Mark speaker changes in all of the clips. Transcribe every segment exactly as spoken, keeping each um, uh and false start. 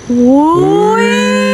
Speaker 1: โอ้ย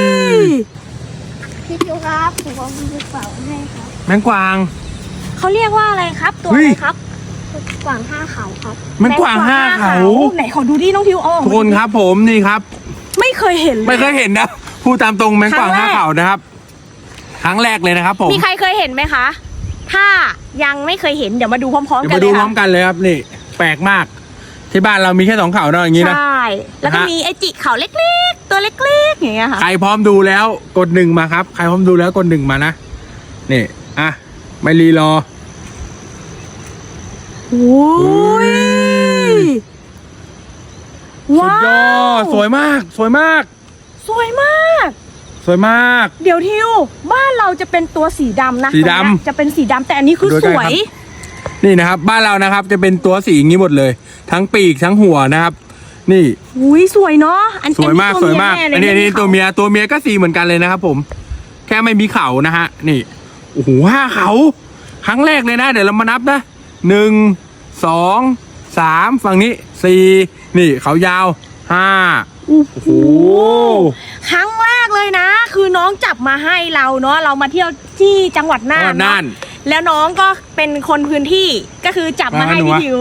Speaker 2: พี่ทิวครับผมเอาไปเป่าให้ครับ
Speaker 3: แมงกวาง
Speaker 1: เขาเรียกว่าอะไรครับตัวอะไรครับ
Speaker 2: กวางห้าเขาครับ
Speaker 3: แมงกวางห้าเขา
Speaker 1: ไหนขอดูดิน้องทิวอ๋อ
Speaker 3: ทุกคนครับผมนี่ครับ
Speaker 1: ไม่เคยเห็น
Speaker 3: ไม่เคยเห็นนะพูดตามตรงแมงกวางห้าเขานะครับครั้งแรกเลยนะครับผม
Speaker 1: มีใครเคยเห็นไหมคะถ้ายังไม่เคยเห็นเดี๋ยวมาดูพร้อมๆกันเลยค่ะ
Speaker 3: เดี๋ยวมาดูพร้อมกันเลยครับนี่แปลกมากที่บ้านเรามีแค่สองเขาเนาะอย่างนี้นะ
Speaker 1: ใช่แล้วก็มีไอจิเขาเล็กๆตัวเล็กๆอย่างเงี้ยค่ะ
Speaker 3: ใครพร้อมดูแล้วกดหนึ่งมาครับใครพร้อมดูแล้วกดหนึ่งมานะนี่อ่ะไม่รีรอ
Speaker 1: โอ้ย
Speaker 3: สุดยอดสวยมากสวยมาก
Speaker 1: สวยมาก
Speaker 3: สวยมาก
Speaker 1: เดี๋ยวทิวบ้านเราจะเป็นตัวสีดำนะ
Speaker 3: สีดำ
Speaker 1: จะเป็นสีดำแต่อันนี้คือสวย
Speaker 3: นี่นะครับบ้านเรานะครับจะเป็นตัวสีอย่างนี้หมดเลยทั้งปีกทั้งหัวนะครับนี่
Speaker 1: อุ้ยสวยเนาะอัน
Speaker 3: สวยมากสวยมากอันนี้นี่ตัวเมียตัวเมียก็สีเหมือนกันเลยนะครับผมแค่ไม่มีเขานะฮะนี่โอ้โหห้าเขาครั้งแรกเลยนะเดี๋ยวเรามานับนะหนึ่งสองสามฝั่งนี้สี่นี่เขายาวห้าโอ้โห
Speaker 1: ครั้งแรกเลยนะคือน้องจับมาให้เราเนาะเรามาเที่ยวที่จังหวัดน่านน่านแล้วน้องก็เป็นคนพื้นที่ก็คือจับมาให้พี่ทิว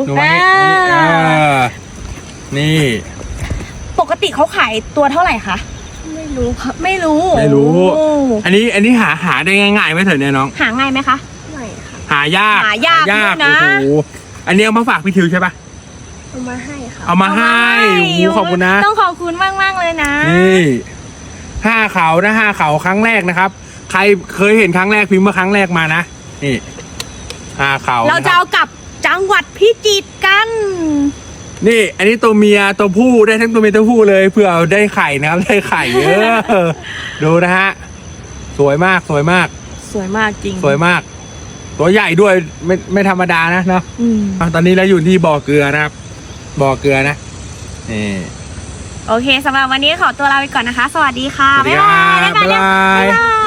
Speaker 3: นี่
Speaker 1: ปกติเขาขายตัวเท่าไหร่คะ
Speaker 2: ไม่รู้ครับ
Speaker 1: ไม่รู้
Speaker 3: ไม่รู้อันนี้อันนี้หาหาได้ง่ายๆไหมเถอะเนี่ยน้อง
Speaker 1: หาง่ายไหมคะ
Speaker 2: ไม่ค่ะ
Speaker 3: หายาก
Speaker 1: หายากนะ
Speaker 3: โอ้โหอันนี้เอามาฝากพี่ทิวใช่ปะ
Speaker 2: เอามาให้ค่ะ
Speaker 3: เอามาให้โอ้ขอบคุณนะ
Speaker 1: ต้องขอบคุณมากมากเลยนะ
Speaker 3: นี่ห้าเขานะห้าเขาครั้งแรกนะครับใครเคยเห็นครั้งแรกพิมพ์มาครั้งแรกมานะนี่ห้าเขา
Speaker 1: เราจะเอากลับจังหวัดพิจิตรกัน
Speaker 3: นี่อันนี้ตัวเมียตัวผู้ได้ทั้งตัวเมียตัวผู้เลยเพื่อเอาได้ไข่นะครับได้ไข่เยอะดูนะฮะสวยมากสวยมาก
Speaker 1: สวยมากจริง
Speaker 3: สวยมากตัวใหญ่ด้วยไม่ไม่ธรรมดานะเนาะตอนนี้เราอยู่ที่บ่อเกลือนะครับบ่อเกลือนะนี่
Speaker 1: โอเคสำหรับวันนี้ขอตัวลาไปก่อนนะคะสวัสดีค่ะบ๊ายบาย
Speaker 3: บ๊ายบาย